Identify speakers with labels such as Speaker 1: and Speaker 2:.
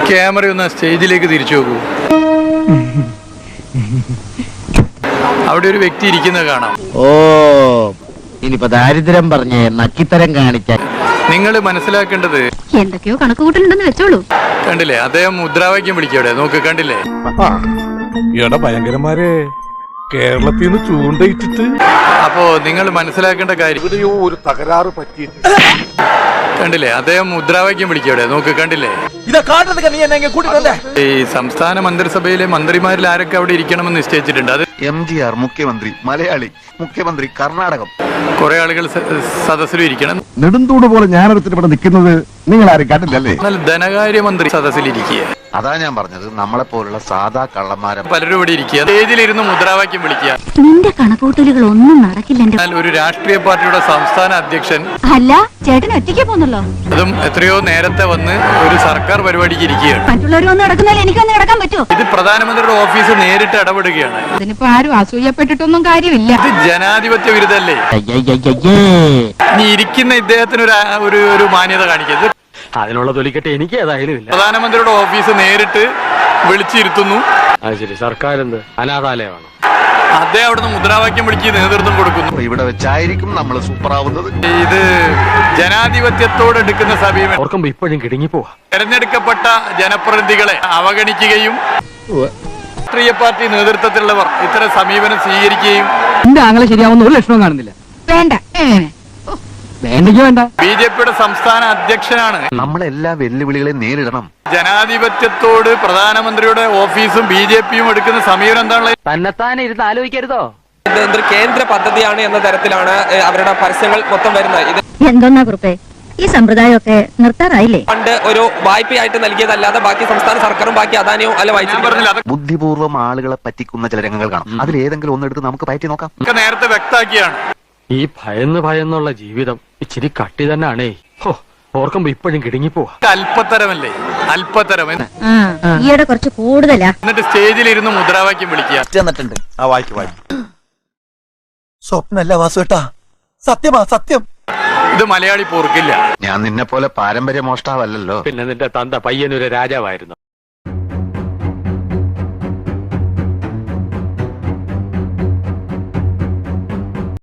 Speaker 1: Camera ഒന്ന് സ്റ്റേജിലേക്ക് തിരിച്ചു നോക്കൂ. അവിടെ ഒരു വ്യക്തി ഇരിക്കുന്നത് കാണാം.
Speaker 2: ഓ, ഇനിയിപ്പോ ദാരിദ്ര്യം പറഞ്ഞ് നക്കിത്തരം കാണിക്കാൻ
Speaker 1: നിങ്ങൾ മനസ്സിലാക്കേണ്ടത്
Speaker 3: എന്തൊക്കെയോ കണക്കുകൂട്ടലുണ്ടെന്ന് വെച്ചോളൂ.
Speaker 1: കണ്ടില്ലേ, അദ്ദേഹം മുദ്രാവാക്യം വിളിക്കവിടെ നോക്ക്, കണ്ടില്ലേ?
Speaker 4: എടാ ഭയങ്കരന്മാരെ, കേരളത്തിൽ നിന്ന് ചൂണ്ടയിട്ടിട്ട്.
Speaker 1: അപ്പോ നിങ്ങൾ മനസ്സിലാക്കേണ്ട കാര്യം,
Speaker 4: ഒരു തകരാറ് പറ്റി.
Speaker 1: കണ്ടില്ലേ, അദ്ദേഹം മുദ്രാവാക്യം വിളിക്കവിടെ നോക്ക്, കണ്ടില്ലേ? ഈ സംസ്ഥാന മന്ത്രിസഭയിലെ മന്ത്രിമാരിൽ ആരൊക്കെ അവിടെ ഇരിക്കണമെന്ന് നിശ്ചയിച്ചിട്ടുണ്ട്. അത്
Speaker 5: MGR മുഖ്യമന്ത്രി, മലയാളി മുഖ്യമന്ത്രി, കർണാടകം.
Speaker 1: കുറെ ആളുകൾ സദസ്സിലും ഇരിക്കണം.
Speaker 6: നെടുന്തൂട് പോലെ ഞാനൊരുത്തിന് ഇവിടെ നിൽക്കുന്നത് നിങ്ങൾ ആരും കണ്ടില്ലല്ലേ?
Speaker 1: എന്നാൽ ധനകാര്യമന്ത്രി സദസ്സിലിരിക്കുക.
Speaker 5: അതാ ഞാൻ പറഞ്ഞത്, നമ്മളെ പോലുള്ള സാധാ കള്ളന്മാരെ
Speaker 1: പലരും ഇവിടെ ഇരിക്കുക, സ്റ്റേജിലിരുന്ന് മുദ്രാവാക്യം വിളിക്കുക.
Speaker 3: നിന്റെ കണക്കുകൂട്ടലുകൾ ഒന്നും നടക്കില്ല.
Speaker 1: എന്നാൽ ഒരു രാഷ്ട്രീയ പാർട്ടിയുടെ സംസ്ഥാന അധ്യക്ഷൻ,
Speaker 3: അല്ല, ചേട്ടൻ ഒറ്റയ്ക്ക് പോന്നല്ലോ.
Speaker 1: അതും എത്രയോ നേരത്തെ വന്ന് ഒരു സർക്കാർ പരിപാടിക്ക് ഇരിക്കുകയാണ്.
Speaker 3: മറ്റുള്ളവർ വന്ന് നടക്കുന്നാലും എനിക്കൊന്ന് നടക്കാൻ പറ്റുമോ?
Speaker 1: ഇത് പ്രധാനമന്ത്രിയുടെ ഓഫീസ് നേരിട്ട് ഇടപെടുകയാണ്.
Speaker 3: അതിനിപ്പോ ആരും അസൂയപ്പെട്ടിട്ടൊന്നും കാര്യമില്ല.
Speaker 1: ഇത് ജനാധിപത്യ വിരുദ്ധല്ലേ? ഇനി ഇരിക്കുന്ന ഇദ്ദേഹത്തിന് ഒരു മാന്യത കാണിക്കരുത്.
Speaker 7: അതിനുള്ള തൊലിക്കെട്ട് എനിക്ക് ഏതായാലും ഇല്ല.
Speaker 1: പ്രധാനമന്ത്രിയുടെ ഓഫീസ് നേരിട്ട് വിളിച്ചിരുത്തുന്നു.
Speaker 7: അത് ശരി, സർക്കാർ എന്ത് അനാഥാലയമാണ്?
Speaker 1: അദ്ദേഹം അവിടുന്ന് മുദ്രാവാക്യം വിളിച്ച് നേതൃത്വം കൊടുക്കുന്നു.
Speaker 5: ഇവിടെ വെച്ചായിരിക്കും നമ്മൾ സൂപ്പറാവുന്നത്.
Speaker 1: ഇത് ജനാധിപത്യത്തോട് എടുക്കുന്ന സമീപനം.
Speaker 7: ഓർക്കുമ്പോ ഇപ്പോഴും കിടുങ്ങി പോവാ.
Speaker 1: തെരഞ്ഞെടുക്കപ്പെട്ട ജനപ്രതിനിധികളെ അവഗണിക്കുകയും രാഷ്ട്രീയ പാർട്ടി നേതൃത്വത്തിലുള്ളവർ ഇത്തരം സമീപനം സ്വീകരിക്കുകയും
Speaker 8: എന്റെ ആങ്ങളെ ശരിയാവുന്ന ഒരു ലക്ഷണവും കാണുന്നില്ല.
Speaker 3: വേണ്ട,
Speaker 8: വേണ്ടെങ്കിൽ വേണ്ട.
Speaker 1: BJPയുടെ സംസ്ഥാന അധ്യക്ഷനാണ്.
Speaker 5: നമ്മളെല്ലാ വെല്ലുവിളികളെ നേരിടണം.
Speaker 1: ജനാധിപത്യത്തോട് പ്രധാനമന്ത്രിയുടെ ഓഫീസും BJPയും എടുക്കുന്ന സമീപനം എന്താണുള്ളത്?
Speaker 7: തന്നെത്താനെ ഇരുന്ന് ആലോചിക്കരുതോ?
Speaker 9: ഇതൊരു കേന്ദ്ര പദ്ധതിയാണ് എന്ന തരത്തിലാണ് അവരുടെ പരസ്യങ്ങൾ മൊത്തം വരുന്നത്. ഇത്
Speaker 3: എന്തോന്നാ കുറുപ്പേ, ഈ സമ്പ്രദായമൊക്കെ നിർത്താറായില്ലേ?
Speaker 9: ഫണ്ട് ഒരു വായ്പയായിട്ട് നൽകിയതല്ലാതെ ബാക്കി സംസ്ഥാന സർക്കാരും ബാക്കി അദാനിയും അല്ല വായിച്ചു.
Speaker 5: ബുദ്ധിപൂർവ്വം ആളുകളെ പറ്റിക്കുന്ന ചില രംഗങ്ങൾ കാണാം. അതിലേതെങ്കിലും ഒന്നെടുത്ത് നമുക്ക് പറ്റി നോക്കാം.
Speaker 1: നേരത്തെ വ്യക്തമാക്കിയാണ്.
Speaker 7: ഈ ഭയന്നുള്ള ജീവിതം ഇച്ചിരി കട്ടി തന്നെയാണേ. ഓർക്കുമ്പോ ഇപ്പോഴും കിടുങ്ങി പോവാ.
Speaker 1: അല്പത്തരമല്ലേ, അല്പത്തരം.
Speaker 3: ഈയിടെ കുറച്ച് കൂടുതലാ.
Speaker 1: എന്നിട്ട് സ്റ്റേജിലിരുന്ന് മുദ്രാവാക്യം വിളിക്കുക.
Speaker 10: സ്വപ്നല്ല വാസുവേട്ടാ, സത്യമാ സത്യം.
Speaker 1: ഇത് മലയാളി പോർക്കില്ല.
Speaker 5: ഞാൻ നിന്നെ പോലെ പാരമ്പര്യ മോഷ്ടാവല്ലോ.
Speaker 7: പിന്നെ നിന്റെ തന്ത പയ്യനൊരു രാജാവായിരുന്നു.